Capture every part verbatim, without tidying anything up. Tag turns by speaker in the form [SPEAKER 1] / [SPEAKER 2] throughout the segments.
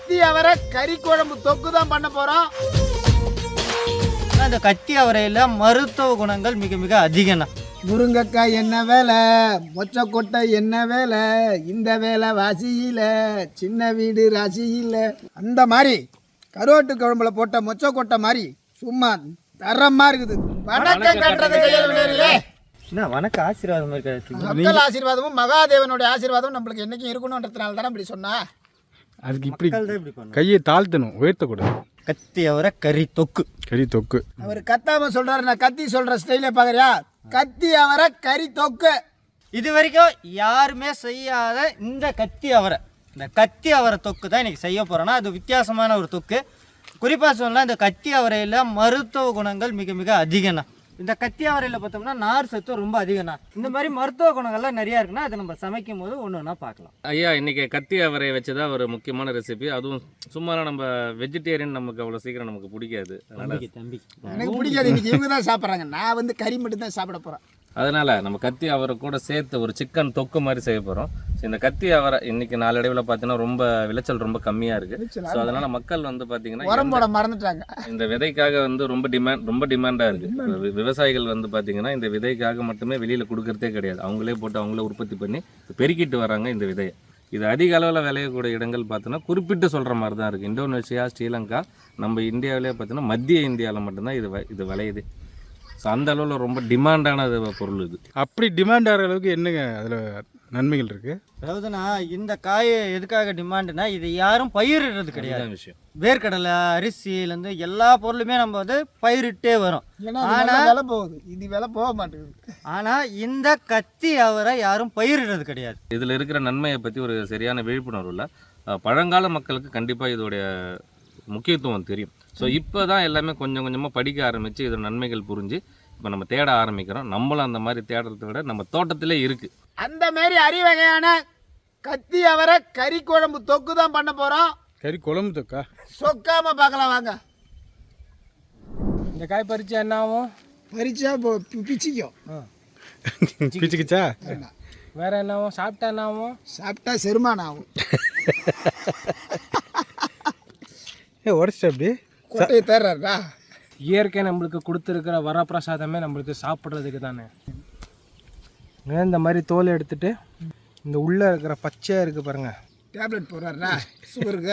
[SPEAKER 1] கத்தி அவரை கறி குழம்பு தொக்கு தான் பண்ண போறோம்.
[SPEAKER 2] இந்த கத்தி அவரையில் மருத்துவ குணங்கள் மிக மிக அதிகம்ண்ணா.
[SPEAKER 1] முருங்கைக்காய் என்ன வேலை, மொச்சக்கொட்டை என்ன வேலை, இந்த வேலை வாசியில சின்ன வீடு ராசியில. அந்த மாதிரி கருவாட்டு குழம்புல போட்ட மொச்சக்கொட்டை மாதிரி சும்மா தரமா இருக்குது. வணக்கம் கட்டுறது கையிலே
[SPEAKER 2] என்ன வணக்கம் ஆசீர்வாதம் இருக்காது.
[SPEAKER 1] மக்கள் ஆசீர்வாதமும் மகாதேவனுடைய ஆசீர்வாதம் நம்மளுக்கு என்னைக்கும் இருக்கணும்ன்றதுனால தானே இப்படி சொன்னா.
[SPEAKER 3] அதுக்கு இப்படி கையை தாழ்த்தணும், உயர்த்தக்கூடாது.
[SPEAKER 2] கத்தி அவரை கறி தொக்கு.
[SPEAKER 3] கறி தொக்கு
[SPEAKER 1] அவர் கத்தாம சொல்றாரு, நான் கத்தி சொல்ற ஸ்டைல பாக்குறியா? கத்தி அவரை கறி தொக்கு.
[SPEAKER 2] இது வரைக்கும் யாருமே செய்யாத இந்த கத்தி அவரை, இந்த கத்தி அவரை தொக்கு தான் இன்னைக்கு செய்ய போறோம்னா அது வித்தியாசமான ஒரு தொக்கு. குறிப்பாக சொல்லலாம் இந்த கத்தி அவரையில் மருத்துவ குணங்கள் மிக மிக அதிகம்ண்ணா. இந்த கத்தி அவரையில் பார்த்தோம்னா நார் சத்து ரொம்ப அதிகம்ண்ணா. இந்த மாதிரி மருத்துவ குணங்கள்லாம் நிறையா இருக்குன்னா அதை நம்ம சமைக்கும் போது ஒன்று ஒன்றா பார்க்கலாம்.
[SPEAKER 4] ஐயா இன்றைக்கி கத்தி அவரையை வச்சு தான் ஒரு முக்கியமான ரெசிபி. அதுவும் சும்மா நம்ம வெஜிடேரியன் நமக்கு அவ்வளோ சீக்கிரம் நமக்கு பிடிக்காது. அதனால்
[SPEAKER 2] தம்பி
[SPEAKER 1] எனக்கு பிடிக்காது. இன்னைக்கு இவங்க தான் சாப்பிட்றாங்க, நான் வந்து கறி மட்டும் தான் சாப்பிட போகிறேன்.
[SPEAKER 4] அதனால் நம்ம கத்தி அவரை கூட சேர்த்து ஒரு சிக்கன் தொக்கு மாதிரி செய்ய போகிறோம். ஸோ இந்த கத்தி அவரை இன்றைக்கி நாளடைவில் பார்த்தீங்கன்னா ரொம்ப விளைச்சல் ரொம்ப கம்மியாக இருக்குது. ஸோ அதனால் மக்கள் வந்து பார்த்தீங்கன்னா
[SPEAKER 1] உரம் போட மறந்துட்டாங்க.
[SPEAKER 4] இந்த விதைக்காக வந்து ரொம்ப டிமாண்ட் ரொம்ப டிமாண்டாக இருக்குது. விவசாயிகள் வந்து பார்த்தீங்கன்னா இந்த விதைக்காக மட்டுமே வெளியில் கொடுக்கறதே கிடையாது. அவங்களே போட்டு அவங்களே உற்பத்தி பண்ணி பெருக்கிட்டு வராங்க இந்த விதையை. இது அதிக அளவில் விளையக்கூடிய இடங்கள் பார்த்தோன்னா குறிப்பிட்டு சொல்கிற மாதிரி தான் இருக்குது. இந்தோனேஷியா, ஸ்ரீலங்கா, நம்ம இந்தியாவிலே பார்த்தீங்கன்னா மத்திய இந்தியாவில் மட்டும்தான் இது இது விளையுது. ஸோ அந்த அளவில் ரொம்ப டிமாண்டான பொருள் இது.
[SPEAKER 3] அப்படி டிமாண்ட் ஆகிற அளவுக்கு என்னங்க அதில் நன்மைகள் இருக்குது?
[SPEAKER 2] அதாவதுண்ணா இந்த காய் எதுக்காக டிமாண்டுனா இது யாரும் பயிரிடுறது கிடையாது விஷயம். வேர்க்கடலை அரிசியிலேருந்து எல்லா பொருளுமே நம்ம வந்து பயிரிட்டே வரோம்.
[SPEAKER 1] ஆனால் விலை போகுது, இது விலை போக மாட்டேங்குது.
[SPEAKER 2] ஆனால் இந்த கத்தி அவரை யாரும் பயிரிடுறது கிடையாது.
[SPEAKER 4] இதில் இருக்கிற நன்மையை பற்றி ஒரு சரியான விழிப்புணர்வு இல்லை. பழங்கால மக்களுக்கு கண்டிப்பாக இதோடைய முக்கியத்துவம் தெரியும். ஸோ இப்போ தான் எல்லாமே கொஞ்சம் கொஞ்சமாக படிக்க ஆரம்பித்து இதோட நன்மைகள் புரிஞ்சு இப்போ நம்ம தேட ஆரம்பிக்கிறோம். நம்மளும் அந்த மாதிரி தேடுறதை விட நம்ம தோட்டத்திலே இருக்குது.
[SPEAKER 1] அந்த மாதிரி அரிவகையான கத்தி அவரை கறி குழம்பு தொக்கு தான் பண்ண போகிறோம்.
[SPEAKER 3] கறி குழம்பு தொக்கா?
[SPEAKER 1] சொக்காம பார்க்கலாம் வாங்க.
[SPEAKER 5] இந்த காய் பறிச்சா என்ன ஆகும்?
[SPEAKER 1] பறிச்சா பிச்சிக்கும்.
[SPEAKER 3] பிச்சுக்கிச்சா?
[SPEAKER 5] வேற என்ன ஆகும்? சாப்பிட்டா என்ன ஆகும்?
[SPEAKER 1] சாப்பிட்டா செருமானம் ஆகும்.
[SPEAKER 3] ஏ உடச்சிட்டு அப்படி
[SPEAKER 1] கொட்டையை தர்றாருடா.
[SPEAKER 5] இயற்கை நம்மளுக்கு கொடுத்துருக்கிற வரப்பிரசாதமே நம்மளுக்கு சாப்பிட்றதுக்கு தானே. இந்த மாதிரி தோலை எடுத்துட்டு இந்த உள்ளே இருக்கிற பச்சையாக இருக்குது பாருங்கள்,
[SPEAKER 1] டேப்லெட் போடுறாருடா சுகருக்கு.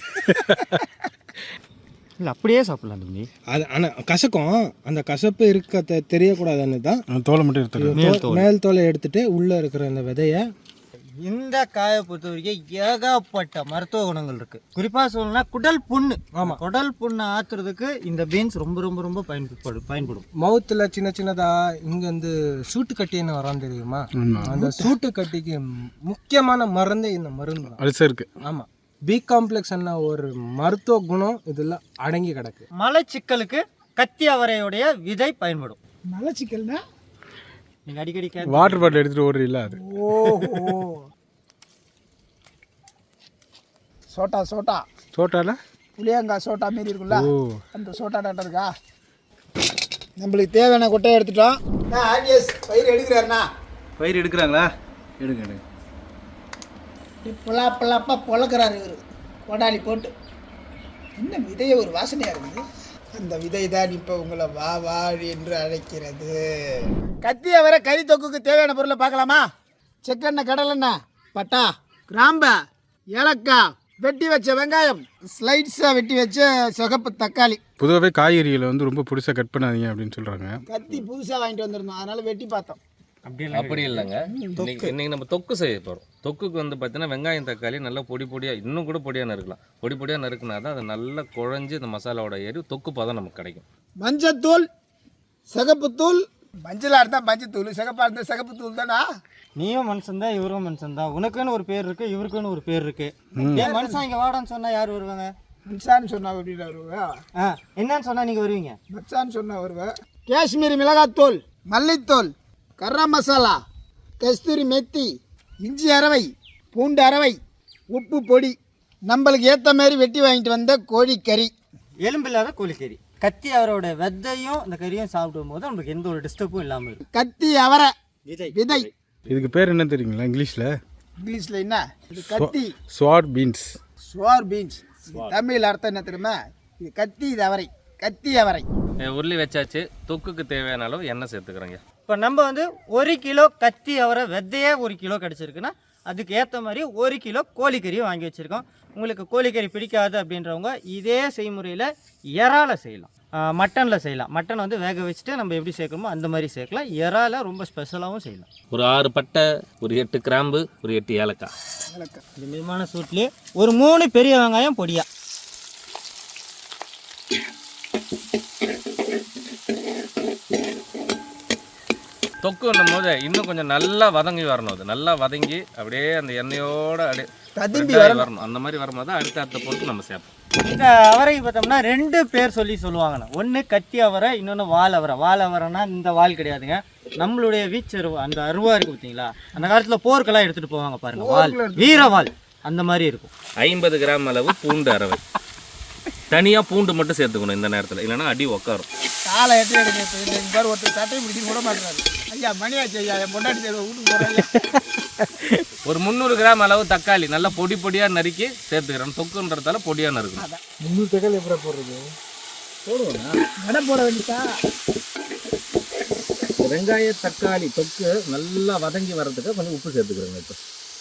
[SPEAKER 2] இல்லை அப்படியே சாப்பிடலாம் தம்பி.
[SPEAKER 5] அது ஆனால் கசக்கும், அந்த கசப்பு இருக்க தெ தெரியக்கூடாதுன்னு தான்
[SPEAKER 3] தோலை மட்டும் எடுத்துக்கலாம்.
[SPEAKER 5] மேல் தோலை எடுத்துட்டு உள்ளே இருக்கிற அந்த விதையை.
[SPEAKER 2] இந்த காயை பொறுத்த வரைக்கும் ஏகப்பட்ட மருத்துவ குணங்கள் இருக்குது. குறிப்பாக சொல்லணும்னா குடல் புண்ணு. ஆமாம், குடல் புண்ணை ஆற்றுறதுக்கு இந்த பீன்ஸ் ரொம்ப ரொம்ப ரொம்ப பயன்படும் பயன்படும்
[SPEAKER 5] மவுத்தில் சின்ன சின்னதாக இங்கே வந்து சூட்டு கட்டின்னு வரான் தெரியுமா? அந்த சூட்டு கட்டிக்கு முக்கியமான மருந்து இந்த மருந்து தான்.
[SPEAKER 3] அல்சருக்கு.
[SPEAKER 5] ஆமாம், பி காம்ப்ளெக்ஸ் என்ன ஒரு மருத்துவ குணம் இதில் அடங்கி கிடக்கு.
[SPEAKER 2] மலச்சிக்கலுக்கு கத்தி அவரையுடைய விதை பயன்படும்.
[SPEAKER 1] மலச்சிக்கல்னா
[SPEAKER 2] நீங்கள் அடிக்கடி
[SPEAKER 3] வாட்டர் பாட்டில் எடுத்துகிட்டு ஓடுறீங்களா? அது
[SPEAKER 1] ஓஹோ, சோட்டா சோட்டா
[SPEAKER 3] சோட்டால
[SPEAKER 1] புளியங்காய் சோட்டா மாரி இருக்குல்ல, அந்த சோட்டா டாட்டா இருக்கா? நம்மளுக்கு தேவையான கொட்டையை எடுத்துட்டோம். நான் ஆர்டிஎஸ் பயிர் எடுக்கிறாருண்ணா.
[SPEAKER 6] பயிர் எடுக்கிறாங்களா? எடுங்க எடுங்க.
[SPEAKER 1] பொலா பொலாப்பா பொழக்கிறாரு இவர் கொடாலி போட்டு. என்ன விதையை ஒரு வாசனையாக இருக்குது. அந்த விதை தான் இப்போ உங்களை வா வா என்று அழைக்கிறது. கத்தி அவரை கறி தொக்குக்கு தேவையான பொருளை பார்க்கலாமா? செக்கெண்ணெய், கடலெண்ணெய், பட்டா, கிராம்பு, ஏலக்காய், வெட்டி வச்ச வெங்காயம், ஸ்லைட்ஸாக வெட்டி வச்ச சிகப்பு தக்காளி.
[SPEAKER 3] பொதுவாகவே காய்கறிகளை வந்து ரொம்ப புதுசாக கட் பண்ணாதீங்க அப்படின்னு சொல்கிறாங்க.
[SPEAKER 1] கத்தி புதுசாக வாங்கிட்டு வந்திருந்தோம், அதனால் வெட்டி பார்த்தோம்.
[SPEAKER 4] அப்படி இல்லைங்க. இன்னைக்கு இன்னைக்கு நம்ம தொக்கு செய்ய போகிறோம். தொக்குக்கு வந்து பார்த்தீங்கன்னா வெங்காயம் தக்காளி நல்லா பொடி பொடியாக, இன்னும் கூட பொடியாக நறுக்கலாம். பொடி பொடியாக நறுக்குனா தான் அது நல்லா குழஞ்சி இந்த மசாலாவோட ஏறி தொக்கு பதம் நமக்கு கிடைக்கும்.
[SPEAKER 1] மஞ்சத்தூள், சிகப்புத்தூள், மஞ்சளாக இருந்தால் மஞ்சத்தூள், சிகப்பாக இருந்தால் சிகப்புத்தூள் தானா?
[SPEAKER 2] நீயும் மனுஷன் தான், இவரும் மனுஷன் தான். உனக்குன்னு ஒரு பேர் இருக்குது, இவருக்குன்னு ஒரு பேர் இருக்குது. ஏன் மனுஷன் இங்கே வாடான்னு சொன்னால் யார் வருவாங்க?
[SPEAKER 1] மச்சான்னு சொன்னால் அப்படின்னு வருவேன்.
[SPEAKER 2] ஆ, என்னன்னு சொன்னால் நீங்கள் வருவீங்க.
[SPEAKER 1] மச்சான்னு சொன்னால் வருவேன். காஷ்மீரி மிளகாத்தூள், மல்லித்தூள், கரம் மசாலா, கஸ்தூரி மெத்தி, இஞ்சி அரவை, பூண்டு அரவை, உப்பு பொடி, நம்மளுக்கு ஏற்ற மாதிரி வெட்டி வாங்கிட்டு வந்த கோழிக்கறி,
[SPEAKER 2] எலும்பில்லாத கோழிக்கறி. கத்தி அவரோட விதையும் இந்த கறியும் சாப்பிடும் போது நம்மளுக்கு எந்த ஒரு டிஸ்டர்பும் இல்லாமல் இருக்கும்.
[SPEAKER 1] கத்தி அவரை விதை விதை.
[SPEAKER 3] இதுக்கு பேர் என்ன தெரியுங்களா இங்கிலீஷில்?
[SPEAKER 1] இங்கிலீஷில் என்ன இது? கத்தி
[SPEAKER 3] sword beans.
[SPEAKER 1] Sword beans. Tamil அர்த்தம் என்ன தெரியுமா? இது கத்தி, இது அவரை. கத்தி அவரை.
[SPEAKER 4] உருளி வச்சாச்சு. தொக்குக்கு தேவையான அளவு எண்ணெய் சேர்த்துக்கிறோங்க.
[SPEAKER 2] இப்போ நம்ம வந்து ஒரு கிலோ கத்தி அவரை விதையே ஒரு கிலோ கிடச்சிருக்குன்னா அதுக்கு ஏற்ற மாதிரி ஒரு கிலோ கோழிக்கறியும் வாங்கி வச்சுருக்கோம். உங்களுக்கு கோழிக்கறி பிடிக்காது அப்படின்றவங்க இதே செய்முறையில் இறால செய்யலாம், மட்டனில் செய்யலாம். மட்டன் வந்து வேக வச்சுட்டு நம்ம எப்படி சேர்க்கணுமோ அந்த மாதிரி சேர்க்கலாம். இறால ரொம்ப ஸ்பெஷலாகவும் செய்யலாம்.
[SPEAKER 4] ஒரு ஆறு பட்டை, ஒரு எட்டு கிராம்பு, ஒரு எட்டு ஏலக்காய்.
[SPEAKER 2] இந்த மிதமான சூட்லேயே ஒரு மூணு பெரிய வெங்காயம் பொடியா.
[SPEAKER 4] தொக்குன்னும் போது இன்னும் கொஞ்சம் நல்லா வதங்கி வரணும். அது நல்லா வதங்கி அப்படியே அந்த எண்ணெயோட அப்படியே
[SPEAKER 1] ததும்பி
[SPEAKER 4] வரணும். அந்த மாதிரி வரும்போது அடுத்த அடுத்த பொருட்கள் நம்ம சேர்ப்போம்.
[SPEAKER 2] இந்த அவரைக்கு பார்த்தோம்னா ரெண்டு பேர் சொல்லி சொல்லுவாங்கண்ணா. ஒன்று கத்தி அவரை, இன்னொன்று வால் அவரை. வால் அவரைனா இந்த வால் கிடையாதுங்க, நம்மளுடைய வீச்சு அருவா, அந்த அருவா இருக்குது பார்த்தீங்களா, அந்த காலத்தில் போருக்கெல்லாம் எடுத்துகிட்டு போவாங்க பாருங்கள், வால், வீரவால் அந்த மாதிரி இருக்கும்.
[SPEAKER 4] ஐம்பது கிராம் அளவு பூண்டு அரவை. தனியாக பூண்டு மட்டும் சேர்த்துக்கணும் இந்த நேரத்தில், இல்லைன்னா அடி உக்காரும்.
[SPEAKER 1] காலை எட்டு எடுங்க. இப்போ இந்த பாரு ஒருத்தர் சட்டை பிடிச்சி விட மாட்டாரு. ஐயா மணியாச்சு ஐயா, என் பொண்டாட்டி தேவை வீட்டுக்கு போகிறேன்.
[SPEAKER 4] ஒரு முந்நூறு கிராம் அளவு தக்காளி நல்லா பொடி பொடியாக நறுக்கி சேர்த்துக்கிறோம். தொக்குன்றதால பொடியாக நறுக்கணும்.
[SPEAKER 5] முந்நூறு தக்காளி எப்படி போடுறது?
[SPEAKER 1] போடுவோண்ணா, வடை போட வேண்டியதா.
[SPEAKER 4] வெங்காய தக்காளி தொக்கு நல்லா வதங்கி வர்றதுக்கு கொஞ்சம் உப்பு சேர்த்துக்கிறோங்க. இப்போ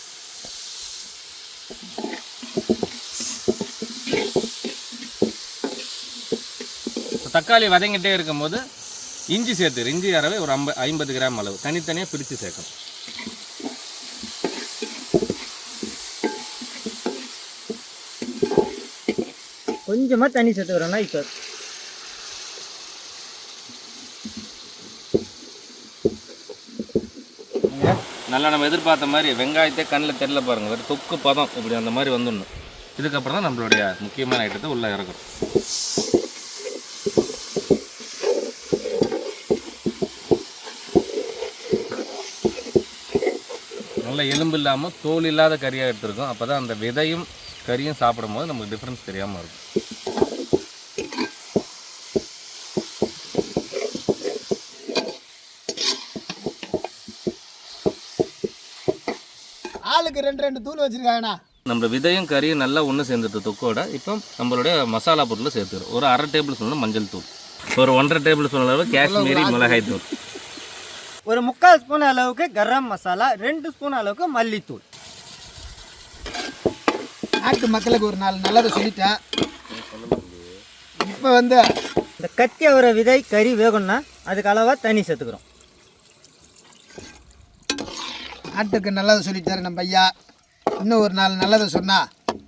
[SPEAKER 4] தக்காளி வதங்கிட்டே இருக்கும் போது இஞ்சி சேர்த்து, இஞ்சி அரவை ஒரு ஐம்ப ஐம்பது கிராம் அளவு தனித்தனியாக பிரித்து சேர்க்கணும்.
[SPEAKER 2] கொஞ்சமாக தண்ணி சேர்த்துக்கிறோன்னா இப்போ
[SPEAKER 4] நல்லா நம்ம எதிர்பார்த்த மாதிரி வெங்காயத்தை கண்ணில் தெரியல பாருங்கள், வேறு தொக்கு பதம் இப்படி அந்த மாதிரி வந்துடணும். இதுக்கப்புறம் தான் நம்மளுடைய முக்கியமான ஐட்டத்தை உள்ளே இறக்குறோம். நல்ல எலும்பு இல்லாமல் தோல் இல்லாத கறியாக எடுத்துருக்கோம். அப்போ தான் அந்த விதையும் கறியும் சாப்பிடும் போது நமக்கு டிஃப்ரென்ஸ் தெரியாமல் இருக்கும்.
[SPEAKER 1] ஆளுக்கு ரெண்டு ரெண்டு தூள் வச்சுருக்காங்கண்ணா.
[SPEAKER 4] நம்ம விதையும் கறியும் நல்லா ஒன்று சேர்ந்துட்டு தொக்கோட இப்போ நம்மளுடைய மசாலா பொருளை சேர்த்துக்கிறோம். ஒரு அரை டேபிள் ஸ்பூன் மஞ்சள் தூள், ஒரு ஒன்றரை டேபிள் ஸ்பூன் அளவு காஷ்மீரி மிளகாய் தூள்,
[SPEAKER 2] ஒரு முக்கால் ஸ்பூன் அளவுக்கு கரம் மசாலா, ரெண்டு ஸ்பூன் அளவுக்கு மல்லித்தூள்.
[SPEAKER 1] நாட்டு மக்களுக்கு ஒரு நாள் நல்லதை சொல்லிட்டேன். இப்போ வந்து
[SPEAKER 2] இந்த கத்தி அவரை விதை கறி வேகணும்னா அதுக்கு அளவாக தண்ணி சேர்த்துக்கிறோம்.
[SPEAKER 1] நாட்டுக்கு நல்லதை சொல்லிட்டாரு நம்ம ஐயா. இன்னும் ஒரு நாள் நல்லதை சொன்னா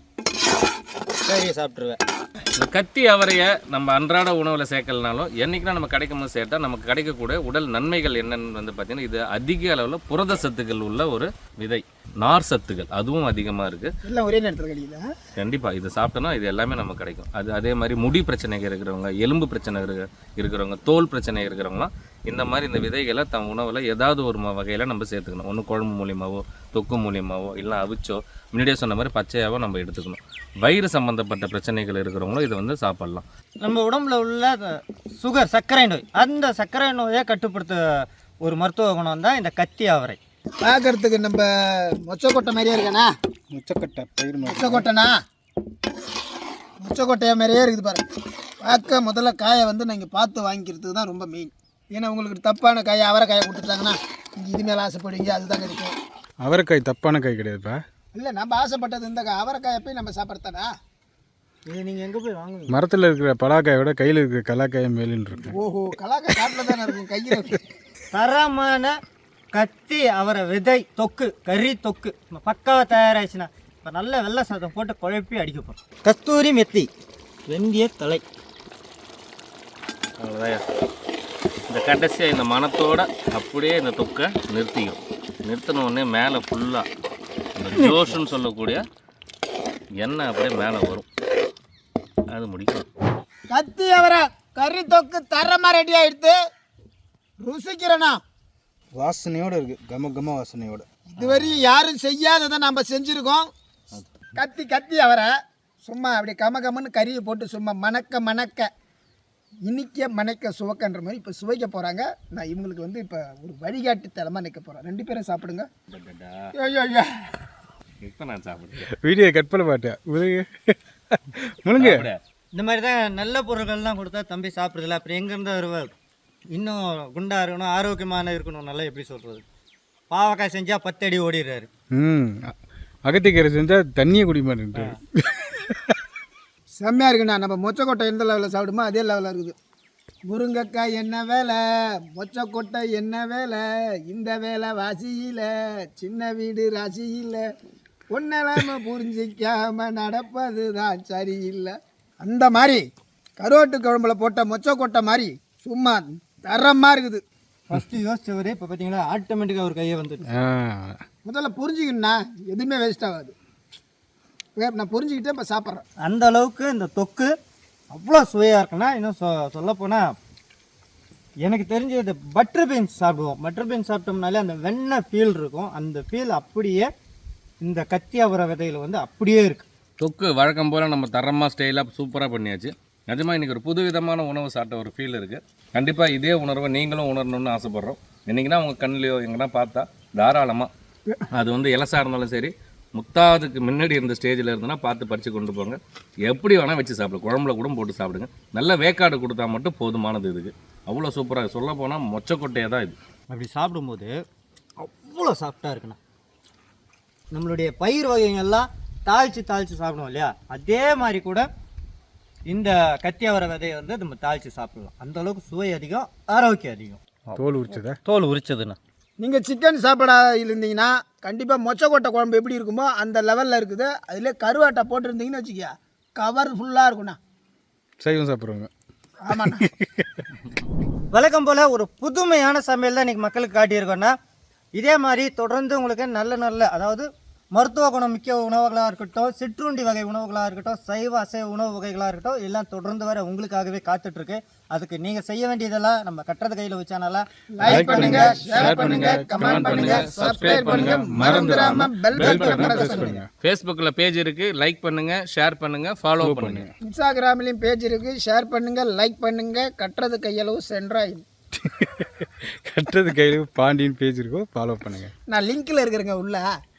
[SPEAKER 2] கறியை சாப்பிட்ருவேன்.
[SPEAKER 4] இந்த கத்தி அவரையை நம்ம அன்றாட உணவில் சேர்க்கலனாலும் என்றைக்குனா நம்ம கிடைக்கும் போது சேர்த்தா நமக்கு கிடைக்கக்கூடிய உடல் நன்மைகள் என்னென்னு வந்து பார்த்திங்கன்னா, இது அதிக அளவில் புரத சத்துக்கள் உள்ள ஒரு விதை. நார் சத்துக்கள் அதுவும் அதிகமாக இருக்குது.
[SPEAKER 1] எல்லாம் ஒரே நேரத்தில் கிடைக்கல.
[SPEAKER 4] கண்டிப்பாக இது சாப்பிட்டோன்னா இது எல்லாமே நமக்கு கிடைக்கும். அது அதே மாதிரி முடி பிரச்சனைகள் இருக்கிறவங்க, எலும்பு பிரச்சனை இருக்க இருக்கிறவங்க, தோல் பிரச்சனை இருக்கிறவங்களாம் இந்த மாதிரி இந்த விதைகளை தன் உணவில் ஏதாவது ஒரு வகையில் நம்ம சேர்த்துக்கணும். ஒன்று குழம்பு மூலியமாவோ, தொக்கு மூலியமாவோ, இல்லை அவிச்சோ, முன்னாடியே சொன்ன மாதிரி பச்சையாவோ நம்ம எடுத்துக்கணும். வயிறு சம்மந்தப்பட்ட பிரச்சனைகள் இருக்கிறவங்களும் இதை வந்து சாப்பிட்லாம்.
[SPEAKER 2] நம்ம உடம்புல உள்ள சுகர், சர்க்கரை நோய், அந்த சர்க்கரை நோயை கட்டுப்படுத்த ஒரு மருத்துவ குணம் தான் இந்த கத்தி அவரை.
[SPEAKER 1] பார்க்கறதுக்கு நம்ம மொச்சக்கொட்டை மாதிரியே இருக்காண்ணா.
[SPEAKER 3] முச்சக்கட்டை பயிர்
[SPEAKER 1] மொச்சக்கொட்டைண்ணா, மொச்சக்கொட்டையை மாதிரியே இருக்குது பாருங்க. பார்க்க முதல்ல காயை வந்து நீங்கள் பார்த்து வாங்கிக்கிறதுக்கு தான் ரொம்ப மெயின். ஏன்னா உங்களுக்கு தப்பான காயை அவரைக்காயை கொடுத்துட்டாங்கன்னா நீங்கள் இது மேலே ஆசைப்படுவீங்க, அதுதான் கிடைக்கும்.
[SPEAKER 3] அவரைக்காய் தப்பான காய் கிடையாதுப்பா.
[SPEAKER 1] இல்லை, நம்ம ஆசைப்பட்டது இந்த காய் அவரைக்காயை போய் நம்ம சாப்பிட்றதானா?
[SPEAKER 2] இது நீங்கள் எங்கே போய் வாங்குவீங்க?
[SPEAKER 3] மரத்தில் இருக்கிற பலாக்காயோட கையில் இருக்கிற கலாக்காயை மேலுன்னு இருக்கு.
[SPEAKER 1] ஓஹோ, கலாக்காய் காட்டில் தானே இருக்கும், கையில்.
[SPEAKER 2] தரமான கத்தி அவரை விதை தொக்கு, கறி தொக்கு பக்காவாக தயாராகிடுச்சுன்னா இப்போ நல்ல வெள்ளை சாதம் போட்டு குழப்பி அடிக்க போகிறோம். கஸ்தூரி மெத்தி, வெந்திய தலை.
[SPEAKER 4] அவ்வளோதான். இந்த கடைசியாக இந்த மணத்தோடு அப்படியே இந்த தொக்கை நிறுத்திக்கும். நிறுத்தின உடனே மேலே ஃபுல்லாக இந்த ஜோஷுன்னு சொல்லக்கூடிய எண்ணெய் அப்படியே மேலே வரும். அது முடிக்கும்.
[SPEAKER 1] கத்தி அவரை கறி தொக்கு தரமாக ரெடி ஆகிடுது. ருசிக்கிறேண்ணா.
[SPEAKER 6] வாசனையோடு இருக்குது, கம கம வாசனையோடு.
[SPEAKER 1] இதுவரையும் யாரும் செய்யாததை நம்ம செஞ்சுருக்கோம். கத்தி கத்தி அவரை சும்மா அப்படி கம கமன்னு கறியை போட்டு சும்மா மணக்க மணக்க இனிக்க மணக்க சுவக்கன்ற மாதிரி இப்போ சுவைக்க போகிறாங்க. நான் இவங்களுக்கு வந்து இப்போ ஒரு வழிகாட்டு தலமாக நிற்க போகிறேன். ரெண்டு பேரும் சாப்பிடுங்க.
[SPEAKER 4] இப்போ நான் சாப்பிடுறேன்.
[SPEAKER 3] வீடியோ கட் பண்ண மாட்டேன். முழுங்க
[SPEAKER 4] சாப்பிடு.
[SPEAKER 2] இந்த மாதிரி தான் நல்ல பொருட்கள்லாம் கொடுத்தா தம்பி சாப்பிட்றதில்ல. அப்புறம் எங்கேருந்து வருவார் இன்னும் குண்டா இருக்கணும் ஆரோக்கியமான இருக்கணும் நல்லா எப்படி சொல்கிறது. பாவக்காய் செஞ்சால் பத்து அடி ஓடிடுறாரு.
[SPEAKER 3] ம் அகத்திக்கீரை செஞ்சால் தண்ணியை குடி மாட்டேன்ட்டு.
[SPEAKER 1] செம்மையாக இருக்குண்ணா. நம்ம மொச்சக்கொட்டை எந்த லெவலில் சாப்பிடுமோ அதே லெவலில் இருக்குது. முருங்கைக்காய் என்ன வேலை, மொச்சக்கொட்டை என்ன வேலை, இந்த வேலை வாசியில் சின்ன வீடு ராசியில் ஒன்னலாம புரிஞ்சிக்காம நடப்பது தான் சரியில்லை. அந்த மாதிரி கருவாட்டு குழம்புல போட்ட மொச்சக்கொட்டை மாதிரி சும்மா தரமாக இருக்குது.
[SPEAKER 2] ஃபஸ்ட்டு யோசிச்சவர் இப்போ பார்த்தீங்களா ஆட்டோமேட்டிக்காக ஒரு கையை வந்துட்டு.
[SPEAKER 3] ஆ
[SPEAKER 1] முதல்ல புரிஞ்சுக்கணுண்ணா, எதுவுமே வேஸ்ட் ஆகாது. நான் புரிஞ்சுக்கிட்டே இப்போ சாப்பிட்றேன்.
[SPEAKER 2] அந்த அளவுக்கு இந்த தொக்கு அவ்வளோ சுவையாக இருக்குன்னா இன்னும் சொ சொல்லப்போனால் எனக்கு தெரிஞ்ச இந்த பட்டர் பீன்ஸ் சாப்பிடுவோம். பட்டர் பீன்ஸ் சாப்பிட்டோம்னாலே அந்த வெண்ணெய் ஃபீல் இருக்கும். அந்த ஃபீல் அப்படியே இந்த கத்தி அவரை விதையில் வந்து அப்படியே இருக்குது.
[SPEAKER 4] தொக்கு வழக்கம் போல் நம்ம தரமாக ஸ்டைலாக சூப்பராக பண்ணியாச்சு. நிஜமாக இன்றைக்கி ஒரு புது விதமான உணவு சாப்பிட்ட ஒரு ஃபீல் இருக்குது. கண்டிப்பாக இதே உணர்வை நீங்களும் உணரணும்னு ஆசைப்பட்றோம். இன்றைக்கினா உங்கள் கண்ணிலையோ எங்கன்னா பார்த்தா தாராளமாக அது வந்து இலசாக இருந்தாலும் சரி, முத்தாதுக்கு முன்னாடி இருந்த ஸ்டேஜில் இருந்ததுன்னா பார்த்து பறித்து கொண்டு போங்க. எப்படி வேணால் வச்சு சாப்பிடுங்க, குழம்புல கூட போட்டு சாப்பிடுங்க. நல்ல வேக்காடு கொடுத்தா மட்டும் போதுமானது. இதுக்கு அவ்வளோ சூப்பராக சொல்ல போனால் மொச்சக்கொட்டையாக தான் இது.
[SPEAKER 2] அப்படி சாப்பிடும்போது அவ்வளோ சாஃப்டாக இருக்குண்ணா. நம்மளுடைய பயிர் வகைகள்லாம் தாளித்து தாளித்து சாப்பிடுவோம் இல்லையா, அதே மாதிரி கூட இந்த கத்தி அவரை விதையை வந்து நம்ம தாளித்து சாப்பிடலாம். அந்த அளவுக்கு சுவை அதிகம், ஆரோக்கியம் அதிகம்.
[SPEAKER 3] தோல் உரிச்சதா?
[SPEAKER 2] தோல் உரிச்சதுண்ணா.
[SPEAKER 1] நீங்கள் சிக்கன் சாப்பிடா இருந்தீங்கன்னா கண்டிப்பாக மொச்சக்கொட்டை குழம்பு எப்படி இருக்குமோ அந்த லெவலில் இருக்குது. அதில் கருவாட்டை போட்டுருந்தீங்கன்னு வச்சுக்கியா கவர் ஃபுல்லாக இருக்குண்ணா.
[SPEAKER 3] சைவம் சாப்பிட்றவங்க.
[SPEAKER 1] ஆமாண்ணா.
[SPEAKER 2] வழக்கம் போல் ஒரு புதுமையான சமையல் தான் இன்றைக்கி மக்களுக்கு காட்டியிருக்கோன்னா, இதே மாதிரி தொடர்ந்து உங்களுக்கு நல்ல நல்ல அதாவது மருத்துவ குணம் மிக்க உணவுகளாக இருக்கட்டும், சிற்றுண்டி வகை உணவுகளாக இருக்கட்டும், சைவ அசைவ உணவு வகைகளாக இருக்கட்டும், எல்லாம் தொடர்ந்து வர உங்களுக்காகவே காத்துட்ருக்கு. அதுக்கு நீங்கள் செய்ய வேண்டியதெல்லாம் நம்ம கட்டுறது கையில் வச்சானால
[SPEAKER 1] லைக் பண்ணுங்க, ஷேர் பண்ணுங்க, கமெண்ட் பண்ணுங்க, சப்ஸ்கிரைப் பண்ணுங்க, மறந்துடாம பெல் பட்டனை பிரஸ் பண்ணுங்க.
[SPEAKER 4] ஃபேஸ்புக்கில் பேஜ் இருக்குது, லைக் பண்ணுங்கள், ஷேர் பண்ணுங்கள், ஃபாலோ பண்ணுங்கள்.
[SPEAKER 1] இன்ஸ்டாகிராம்லேயும் பேஜ் இருக்குது, ஷேர் பண்ணுங்க, லைக் பண்ணுங்க. கட்டுறது கையளவு சென்றாய்.
[SPEAKER 3] கட்டுறது கையில் பாண்டியன் பேஜ் இருக்கோ, ஃபாலோ பண்ணுங்கள்.
[SPEAKER 1] நான் லிங்க்கில் இருக்கிறேங்க உள்ள.